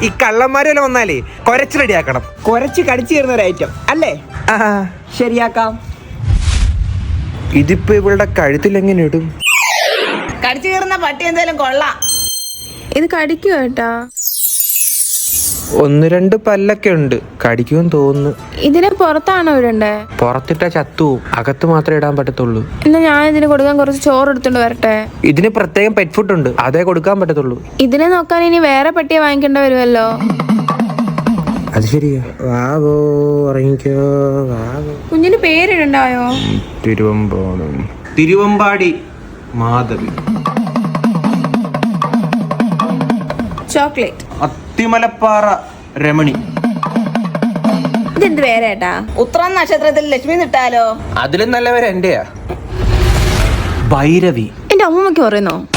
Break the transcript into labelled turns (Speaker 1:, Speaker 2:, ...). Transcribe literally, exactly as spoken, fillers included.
Speaker 1: ഈ കള്ളന്മാരെല്ലാം വന്നാലേ കൊരച്ച് റെഡിയാക്കണം.
Speaker 2: കൊരച്ച് കടിച്ചു കയറുന്ന ഒരു ഐറ്റം അല്ലേ?
Speaker 1: ആ
Speaker 2: ശരിയാക്കാം.
Speaker 1: ഇതിപ്പോ ഇവളുടെ കഴുത്തിൽ എങ്ങനെ ഇടും?
Speaker 3: കടിച്ചു കയറുന്ന പട്ടി എന്തായാലും കൊള്ളാം.
Speaker 4: ഇത് കടിക്കുക കേട്ടാ.
Speaker 1: ഒന്ന് രണ്ട് പല്ലൊക്കെ ഉണ്ട്, കടിക്കുമെന്ന് തോന്നുന്നു.
Speaker 4: ഇതിനെ പുറത്താണോ ഇടണ്ടേ?
Speaker 1: പുറത്തിട്ട ചത്തുവും, അകത്ത് മാത്രമേ ഇടാൻ പറ്റത്തുള്ളൂ.
Speaker 4: എന്നാ ഞാൻ ഇതിന് കൊടുക്കാൻ കുറച്ച് ചോറ് എടുത്തോണ്ട് വരട്ടെ.
Speaker 1: ഇതിന് പ്രത്യേകം പെറ്റ് ഫുഡ് ഉണ്ട്, അതേ കൊടുക്കാൻ പറ്റത്തുള്ളൂ.
Speaker 4: ഇതിനെ നോക്കാൻ ഇനി വേറെ പട്ടിയെ വാങ്ങിക്കേണ്ട വരുമല്ലോ.
Speaker 1: അത് ശരിയാ. വാവോ ഉറങ്ങിക്കോ വാവോ.
Speaker 4: കുഞ്ഞിന് പേരിടണ്ടായോ?
Speaker 1: തിരുവമ്പാടി തിരുവമ്പാടി മാധവി.
Speaker 4: ചോക്ലേറ്റ്.
Speaker 1: അത്തിമലപ്പാറ രമണി.
Speaker 4: ഇതെന്ത് പേര് ഏട്ടാ?
Speaker 3: ഉത്രം നക്ഷത്രത്തിൽ ലക്ഷ്മി നിട്ടാലോ?
Speaker 1: അതിലും നല്ലവരെ എന്റെയാ. ഭൈരവി.
Speaker 4: എന്റെ അമ്മമ്മയ്ക്ക് പറയുന്നോ?